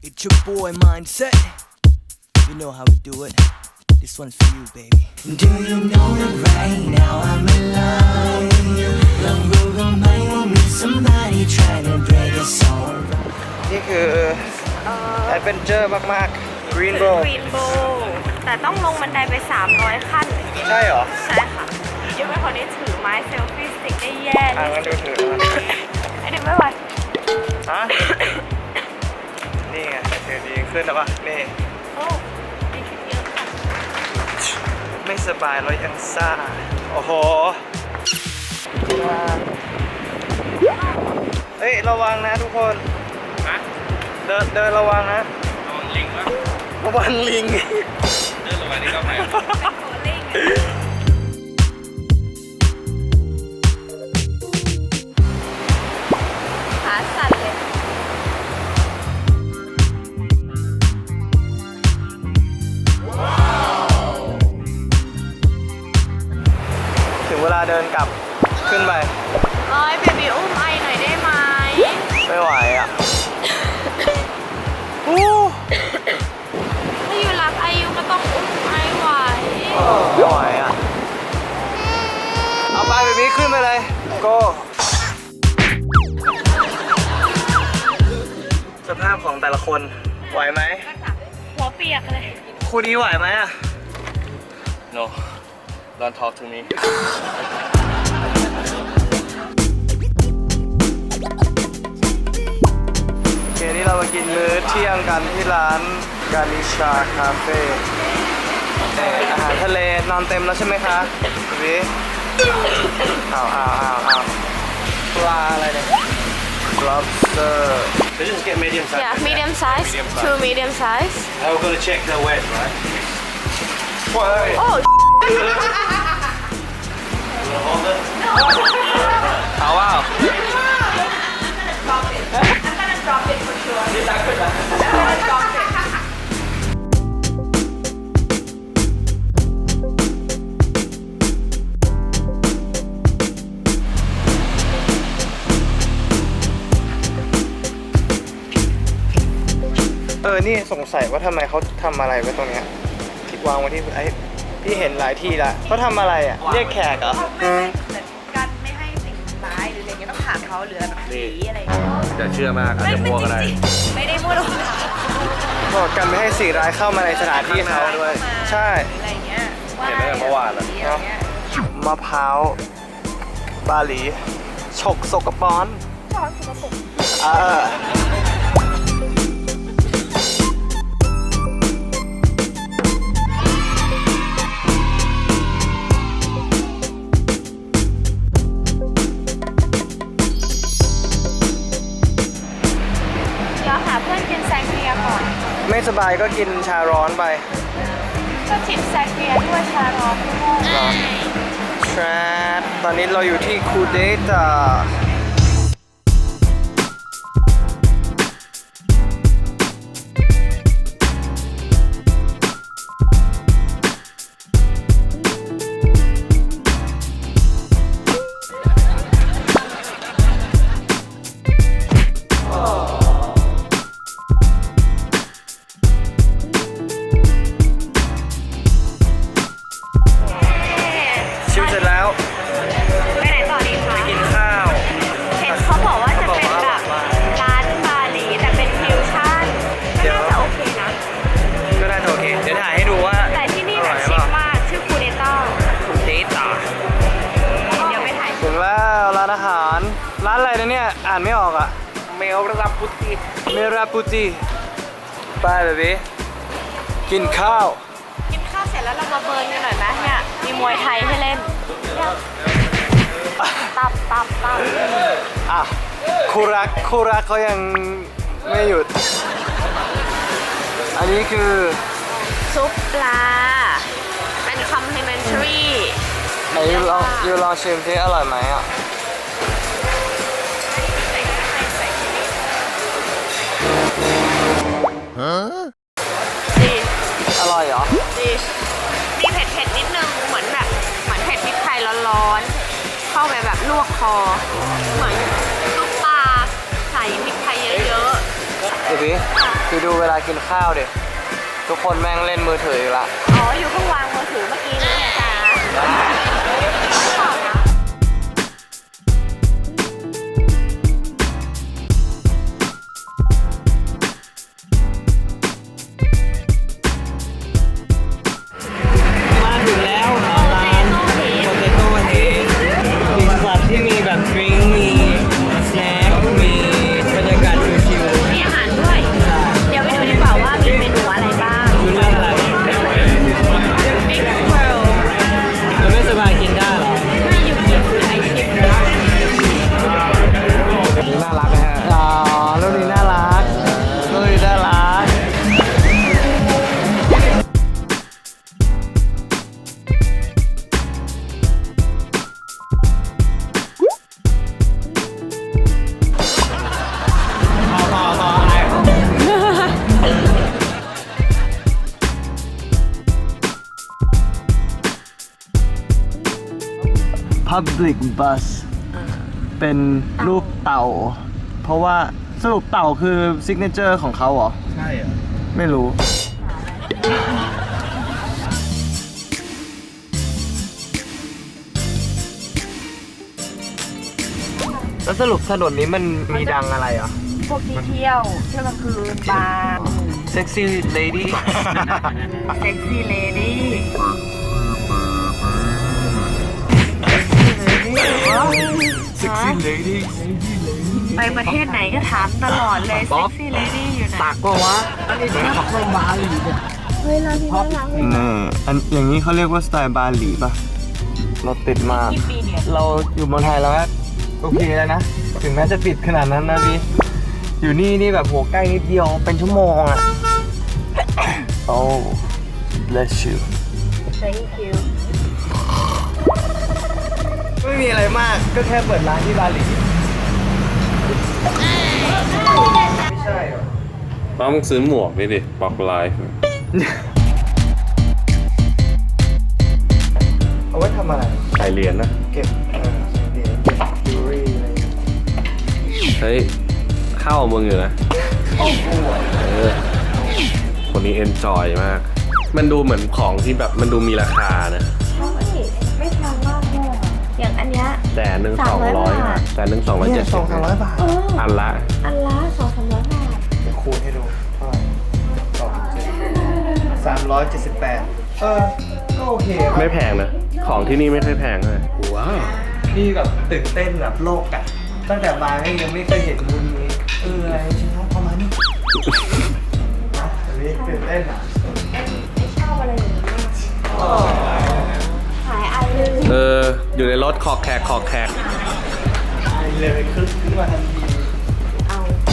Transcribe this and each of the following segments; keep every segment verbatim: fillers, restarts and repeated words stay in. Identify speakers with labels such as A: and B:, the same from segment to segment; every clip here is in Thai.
A: It's your boy mindset. You know how we do it. This one's for you, baby. Do you know that right now I'm alive? Love will remind me somebody trying to break us all. นี่คือแอดเวนเจอร์มากๆ Green Bowl
B: Green Bowl แต่ต้องลงบันไดไปสามร้อยขั้น
A: ใช่เหรอ
B: ใช่ค่ะยังไม่คนนี้ถือไม้เซลฟี่สติ๊กได้แย่
A: อ่ะ
B: เลย
A: งั้นดูถือ
B: ไอ้เด็กไม่ไหว
A: ฮะนี่ไงถือดีขึ้นแล้วป่ะนี่
B: โอ้ดีขึ้นเยอะค่ะ
A: ไม่สบายแล้วยังซ่า โอ้โหเฮ้ยระวังนะทุกคนนะเดินเดินระวังนะระวังลิงวะระวังลิงเดินระวังนี่ก็ไป
B: ขาสั่นเลย
A: ถึงเวลาเดินกลับขึ้นไป
B: โอ้ยเบบีอุ้มไอหน่อยได้ไหม
A: ไม่ไหวอ่ะอู้
B: ถ้าอยู่รักไอยูก็ต้องอุ้มไอไหว
A: ไม่ไหวอ่ะเอาไปเบบี้ขึ้นไปเลยโก้สภาพของแต่ละคนไหวไหม
B: หัวเปียกเลย
A: คู่นี้ไหวไหมอ่ะ
C: No, don't talk to me.
A: โอเคนี่เรามากินมื้อเที่ยงกันที่ร้านกาลิชาคาเฟ่อาหารทะเลนอนเต็มแล้วใช่ไหมคะพี่อ้าวอ้าวอ้าวอ้าวปลาอะไรเนี่ย lobster
C: So just get medium size.
B: yeah medium size
C: Medium size.
B: two medium size
C: And we're gonna check the wet, right?
A: What?
B: oh
C: Hold it.
A: เอาว้าว เออ นี่สงสัยว่าทำไมเขาทำอะไรไว้ตรงเนี้ยคิดวางไว้ที่ไอ้พี่เห็นหลายที่ละเขาทำอะไรอ่ะ เรียกแขกเหรอ
B: กันไม่ให้สิ่งร้ายหรืออะไรเงี้ยต้องถามเขาหรือแบบผีอะไรเงี้ย
C: อย่าเชื่อมากอาจจะมั่วก็ได้
B: ไม่ได้พูดหรอก
A: บอกกันไม่ให้สิ่งร้ายเข้ามาในสถานที่เขาด้วย ใช่
B: อะไรเงี้ย
C: เห็นตั้งแต่เมื่อวานแล้ว
B: อะไรเงี้ย
A: มะพร้าวบาหลีฉกสกปรก
B: ช้อนสกปรก
A: เออ
B: เดี๋ยวหาเพื่อนกินแซงเกียก่อน
A: ไม่สบายก็กินชาร้อนไป
B: ก็จิบแซงเกียด้วยชาร้อนด้วย
A: เหรอ แทรดตอนนี้เราอยู่ที่คูเดตาชิมเสร็จแล้ว
B: ไปไหนต่อดีคะ
A: กินข้าว
B: เห็นเขาบอกว่าจะเป็นแบบร้านบาหลีแต่เป็นฟิวชั่นก็น่าจะโอเคนะ
A: ก็น่าจะโอเค เดี๋ยวถ่ายให้ดูว่า
B: แต่ที่นี่
A: อ
B: แบ
A: ร่อบ ย
B: ชิ
A: เป
B: ค
A: ล่าม
B: ากชื่อคูเดต้า
A: คูเดตา
B: เดี๋ยวไปถ่าย
A: ถึงแล้วร้านอาหาร ร้านอะไรนะเนี่ย อ่านไม่ออกอ่ะ
C: เมลรับพุทธิ
A: เมราปูจิไปแบบนี้กินข้าว
B: กินข้าวเสร็จแล้วเรามาเบิร์นกันหน่อยไหมเนี่ยมีมวยไทยให้เล่นตับตับตับ
A: อ่ะคู่รักคู่รักเขายังไม่หยุด อันนี้คือ
B: ซุปปลาเป็นคอมพลีเมนทรี
A: ไหนยูลองยูลองชิมที่อร่อยไหมอ่ะ
B: ดี
A: อร่อยเหรอ
B: ดีมีเผ็ดเผ็ดๆนิดนึงเหมือนแบบเหมือนเผ็ดพริกไทยร้อนๆเข้าไปแบบลวกคอเหมือนลูกปลาใส่พริกไทยเยอะ
A: เดี๋ยวพี่
B: ๆค่ะ
A: กิ
D: ไปดูเวลากินข้าวเด็ทุกคนแม่งเล่นมือถืออีกละ
B: อ๋อ อยู่เพิ่งวางมือถือเมื่อกี้นี้ไงจ๊ะ
D: มาถึงแล้วร้านโปเตโต้เฮดมีสัตว์ที่มีแบบดริงก์มีสแน็คมีบรรยากาศชิล
B: มีอาหารด้วย เดี๋ยวไปดูดีกว่าว่ามีเมนูอะไรบ้าง
D: ๆคุณเลือกอะไร
B: Big Pearl
D: มันไม่สบายกินได้เหรอ
B: ไม่อยู่กินไอชิป
D: นี่น่ารักนะฮะอ๋อลูกนี้น่ารักลูกนี้น่ารักต่อต่อต่ออะไร Public Bus เป็นรูปเต่า เพราะว่าสรุปเต่าคือซิกเนเจอร์ของเขาเหรอ
C: ใช่เหรอ
D: ไม่รู้ แล้วสรุปถนนนี้มันมีดังอะไรอ่ะ
B: พวกที่เที่ยวเที่ยวกลางคืนบาร์
D: Sexy Lady
B: เซ็กซี่เลดี้
D: Sexy Lady
B: ไปประเทศไหนก็ถามตลอดเลยเซ็กซี่เลดี้อยู่ไหน
D: ตักปะวะ
B: เฮ้ยร้านนี้น่ารักเลย
D: นี่อันอย่างนี้เขาเรียกว่าสไตล์บาหลีป่ะ เราติดมาก
B: กี่ปีเนี่ย
D: เราอยู่เมืองไทยแล้วก็โอเคแล้วนะ ถึงแม้จะปิดขนาดนั้นนะพี่อยู่นี่นี่แบบโหใกล้นิดเดียวเป็นชั่วโมงอะ Oh bless you
B: Thank you
D: ไม่มีอะไรมากก็แค่เปิดร้านที่บาหลีไม่ใช่หรอ
E: ป้ามึงซื้อหมวกนี่ดิบอกไลฟ์
D: เอาไว้ทำอะไร
E: ใส่เหรียญนะ
D: เก็บเออเหรียญเก็บจิวเวลรี่อะไรอย่างเงี้ย
E: เฮ้ยเข้ามึงอยู่นะเออคนนี้เอนจอยมาก มันดูเหมือนของที่แบบมันดูมีราคานะ
B: ใช่ไม่แพงมากเลยอะอย่างอันเนี้ย
E: แสนหนึ่งสอง
B: สามร้
E: ร้อ
B: อย ยบาท
E: แสนหนึ่งสองร้อย
D: เนี่
E: เจ็
D: ย
E: ด
D: ส
E: สิ
D: อบ งสามร้อยบาท
B: เออ
E: อันละ
B: อันละสองสามร้อยบาท
D: เดี๋ยวคูณให้ดูเท่าไหร่สองเจ็ดสามร้อยเจ็ดสิบแปดเออ ก็โอเค
E: ไม่แพงนะ ของที่นี่ไม่ค่อยแพงเลยว้าว
D: พี่แบบตื่นเต้นแบบโลกอะตั้งแต่มาก็ยังไม่เคยเห็นมุมนี้เอออะไรชิ้นน้องประมาณนี้อันนี้ตื่นเต้นอะ
B: ไม่ชอบอะไรอย่างนี้ขายไอเลย
E: เออ อยู่ในรถขอกแขกขอกแขก
D: เลยคึกขึ้นมาทันที
B: เอา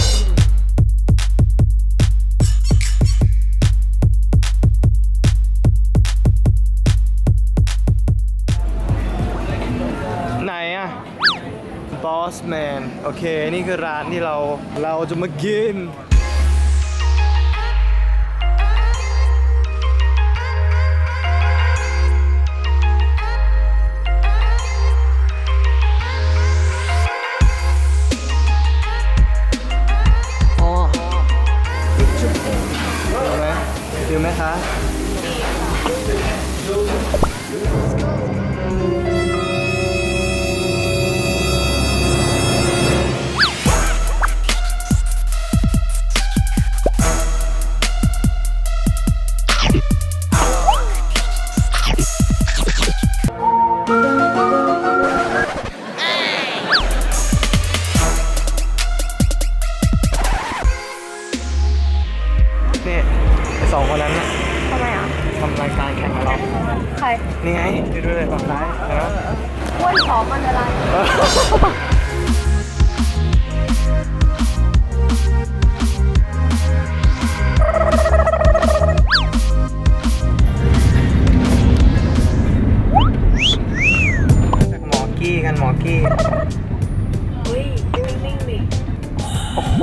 D: ไหนอะบอสแมนโอเค นี่คือร้านที่เราเราจะมากิน อ๋อดูไหมดูไหมคะ นี่ไอสองคนนั้นน่ะ
B: ทำไมอ่ะ
D: ทำรายการแข่งกับเรา
B: ใคร
D: นี่ไงดูด้วยเลยฝั่งซ้ายเห็นไหม
B: อ้วนผอมมันอะไร
D: จากหมอกี้กันหมอกี้
B: เฮ้ยนิ่งๆดิ
D: โอ้โห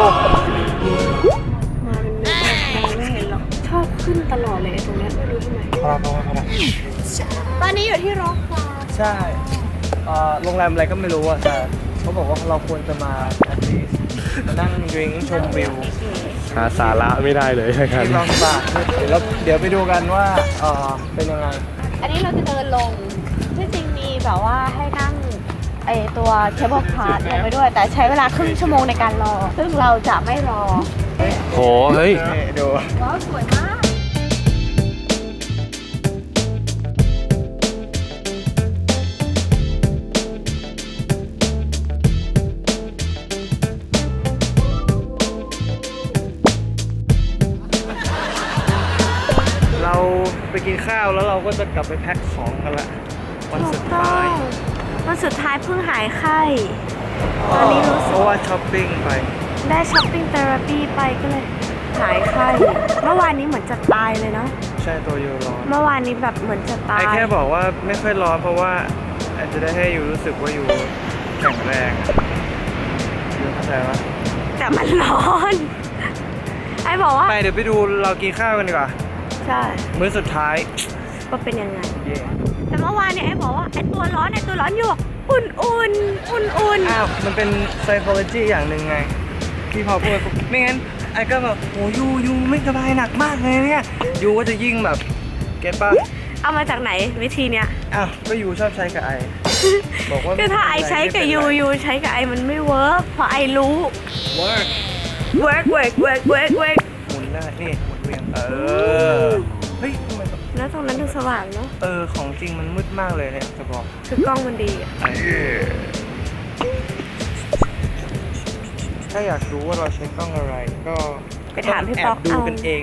B: มาเป็นเม็ดมองไม่เห็นหรอก ชอบขึ้นตลอดเลยไอ้ตรงเนี้ยไม่รู้ทำไม
D: พอแล้วพอแล้วพอแล้ว
B: ตอนนี้อยู่ที่ร็อกฟาร์ม
D: ใช่เอ่อโรงแรมอะไรก็ไม่รู้อ่ะแต่เขาบอกว่าเราควรจะมา at least มานั่งดริงชมวิว
E: หาสาระไม่ได้เลยนะครับ
D: ที่ลองบาเดี๋ยวเราเดี๋ยวไปดูกันว่าเออเป็นยังไง
B: อันนี้เราจะเดินลงที่จริงมีแบบว่าให้นั่งไอตัวเคเบิลคาร์ลงไปด้วย แต่ใช้เวลาครึ่งชั่วโมงในการรอ ซึ่งเราจะไม่รอ
E: โหเฮ้ย
D: นี่ดู
B: ว้าวสวยมาก
D: เราไปกินข้าวแล้วเราก็จะกลับไปแพ็คของกันละวันสุดท้าย
B: วันสุดท้ายเพิ่งหายไข้ ตอนนี้รู้
D: เพ
B: สึก
D: ราะว่าช้อปปิ้งไป
B: ได้ช้อปปิ้งเทอราปีไปก็เลยหายไข้ เมื่อวานนี้เหมือนจะตายเลยเนาะ
D: ใช่ตัวยูร้อน
B: เมื่อวานนี้แบบเหมือนจะตาย
D: ไอแค่บอกว่าไม่ค่อยร้อนเพราะว่าอาจจะได้ให้ยูรู้สึกว่ายูแข็งแรงยูเข้าใจปะ
B: แต่มันร้อน ไอบอกว่า
D: ไปเดี๋ยวไปดูเรากินข้าวกันดีกว่า
B: ใช่
D: มื้อสุดท้าย
B: ว่าเป็นยังไง
D: เย่
B: แต่เมื่อวานเนี่ยไอ้บอกว่าไอ้ตัวร้อนไอ้ตัวร้อนอยู่อุ่นอุ่นอุ่นอุ่น
D: อ้าวมันเป็น psychology อย่างหนึ่งไง ที่พอพูดปุ๊บไม่งั้นไอ้ก็แบบโหยูยูไม่สบายหนักมากเลยเนี่ยยูก็จะยิ่งแบบเก็ตป่ะ
B: เอามาจากไหนวิธีเนี้ย
D: อ้าวก็ยูชอบใช้กับไอ บอกว่า
B: ก็ถ้าไอใช้กับยูยูใช้กับไอมันไม่เวิร์กเพราะไอรู้
D: เวิร์ก
B: เวิร์กเวิร์กเวิร์กเวิร์กเวิร์ก
D: หมุนได้นี่หมุนเวียนเออเฮ้ยทำไมแบบ
B: แล้วตรงนั้นดูสว่างเนาะ
D: เออของจริงมันมืดมากเลยเนี่ยจะบอก
B: คือกล้องมันดีอะ
D: ถ้าอยากรู้ว่าเราใช้กล้องอะไรก็
B: ไปถามพี่
D: แอ
B: ป๊อบ ก
D: ดู
B: เอา
D: กันเอง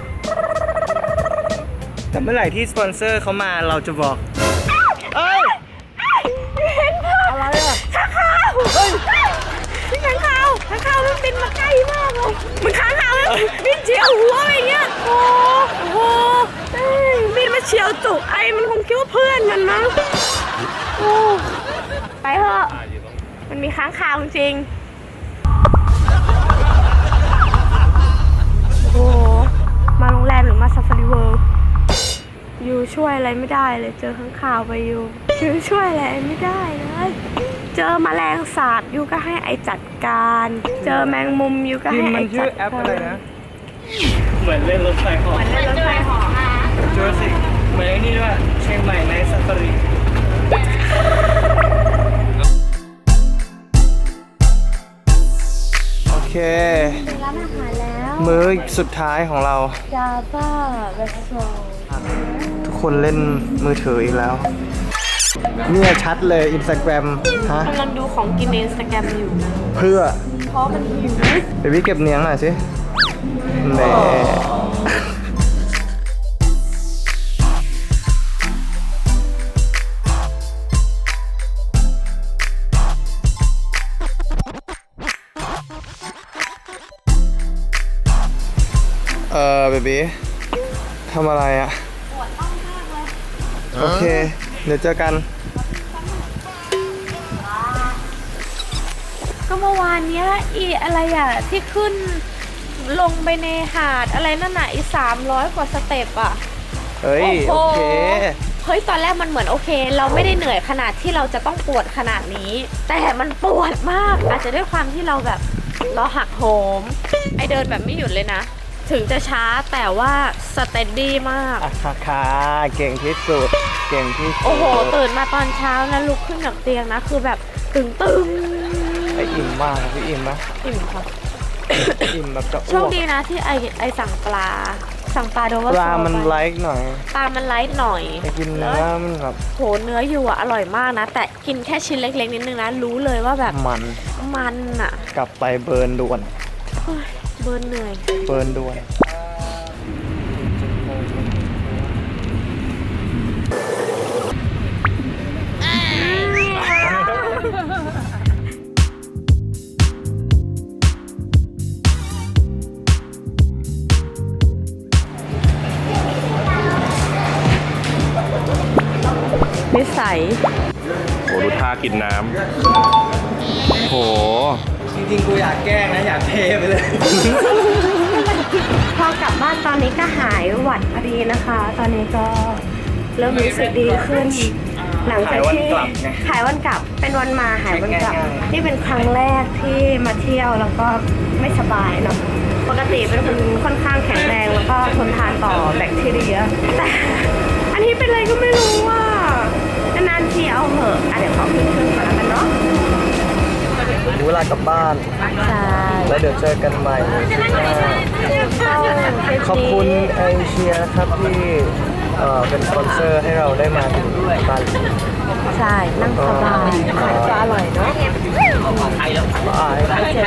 D: แต่เมื่อไหร่ที่สปอนเซอร์เขามาเราจะบอก เอ้ย
B: เห็นค่ะ
D: อะไรอ่ะ
B: ข้างข่าวเฮ้ยข้างข่าวข้างข่าวมันบินมาใกล้มากเลยมันข้างข่าวมันบินเฉียวหัวอะไรเงี้ยโอ้โหเอ้ยบินมาเฉียวจุกไอมันคงคิดว่าเพื่อนมันมั้งโอ้ไปเถอะมันมีค้างคาวจริงโอ้โหมาโรงแรมหรือมาซาฟารีเวิลด์ยูช่วยอะไรไม่ได้เลยเจอข้างคาวไปยูยูช่วยอะไรไม่ได้เลยเจอแมลงสาบยูก็ให้ไอจัดการ เจอแมงมุมยูก็
D: พิม
B: ให้
D: พ์
B: ไอ
D: มันชื่
B: จั
D: อ
B: ด
D: แอป
B: กา
D: อะไร
B: ร
D: นะ
C: เหมือนเล่นรถไฟเหอ
B: เหมือนเล่นรถไฟเหาะ
D: เจอสิเหมือนไอ้นี่ด้วยเชียงใหม่ในซาฟารีโอเค
B: ถึงร้านอาหารแล้ว
D: มื้อสุดท้ายของเรา
B: จาบ้าเรสโซ
D: ทุกคนเล่นมือถืออีกแล้ว เนี่ยชัดเลย Instagram ฮะ
B: กำลังดูของกินในอินสตาแกรมอยู่
D: เพื่อ
B: เพราะมันหิว
D: เบบี้เก็บเนียงหน่อยสิแหน่เออเบบี้ทำอะไรอ่ะ
B: ปวดต้องมากเลย
D: โอเค เดี๋ยวเจอกัน
B: ก็เมื่อวานเนี้ยอีอะไรอ่ะ ที่ขึ้นลงไปในหาดอะไรนั่นน่ะอีสามร้อยกว่าสเต็ปอ่ะ
D: เฮ้ย โอเค
B: เฮ้ย ตอนแรกมันเหมือนโอเค เราไม่ได้เหนื่อยขนาดที่เราจะต้องปวดขนาดนี้ แต่มันปวดมาก อาจจะด้วยความที่เราแบบเราหักโหม ไอเดินแบบไม่หยุดเลยนะ ถึงจะช้าแต่ว่าสเตนดี้มาก
D: อ่ะค่ะค่ะเก่งที่สุด เก่งที่สุด
B: โอ้โห ตื่นมาตอนเช้านะลุกขึ้นจากเตียงนะ คือแบบตึงตึง
D: ไออิ่มมากพี่อิ่มไหม
B: อิ่มค่ะ
D: อิ่มแบบจะ
B: โช
D: อ้ว
B: ค
D: ก
B: ดีนะที่ไอไอสั่งปลา สั่งปลาโดเวอร์
D: ปลา
B: โซ
D: มัน
B: ไป
D: ไลค์หน่อย
B: ปลามันไลท์หน่อย
D: ไปกินเนื้อมันแบบ
B: โหเนื้ออยู่อะอร่อยมากนะ แต่กินแค่ชิ้นเล็กๆนิดนึงนะ รู้เลยว่าแบบ
D: มัน
B: มันอะ
D: กลับไปเบิร์นด่วน
B: เฮ้ยเบิร์นเหนื่อย
D: เบิร์นด่วน
B: นิสัย
E: โหดูท่ากินน้ำโห
D: จริงๆ กูอยากแกล้งนะ อยากเทไปเลย
B: พอกลับบ้านตอนนี้ก็หายหวัดพอดีนะคะ ตอนนี้ก็เริ่มรู้สึกดีขึ้น หลังจากที่
D: หายวันกลับไง
B: หายวันกลับเป็นวันมาหายวันกลับ
D: ง่ายๆ
B: นี่เป็นครั้งแรกที่มาเที่ยวแล้วก็ไม่สบายเนาะปกติเป็นคนค่อนข้างแข็งแรงแล้วก็ทนทานต่อแบคทีเรียแต่อันนี้เป็นอะไรก็ไม่รู้ว่านานๆทีเอาเหอะอ่ะเดี๋ยวขอขึ้นเครื่องก่อนแล้วกันเนาะ
D: ถึงเวลากลับบ้าน
B: ใช่
D: แล้วเดี๋ยวเจอกันใหม่ขอบคุณเอเชียนะครับที่เอ่อเป็นสปอนเซอร์ให้เราได้มาถึงบาหลี
B: ใช่นั่งสบายจะอร่อยเนาะ
D: บาย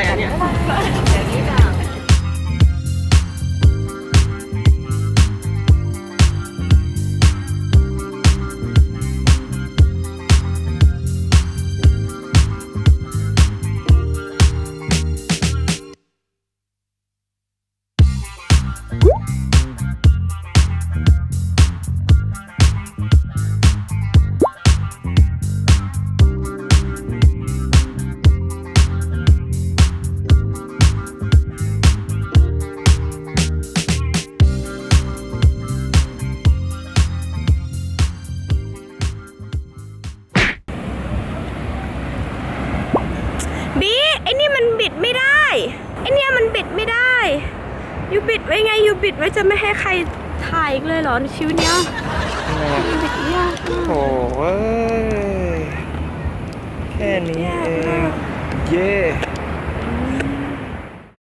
B: บีไอ้นี่มันบิดไม่ได้ไอ้เนี่ยมันบิดไม่ได้ยูบิดไว้ไงยูบิดไว้จะไม่ให้ใครถ่ายอีกเลยเหรอในชีวิตเนี้ยบิดยาก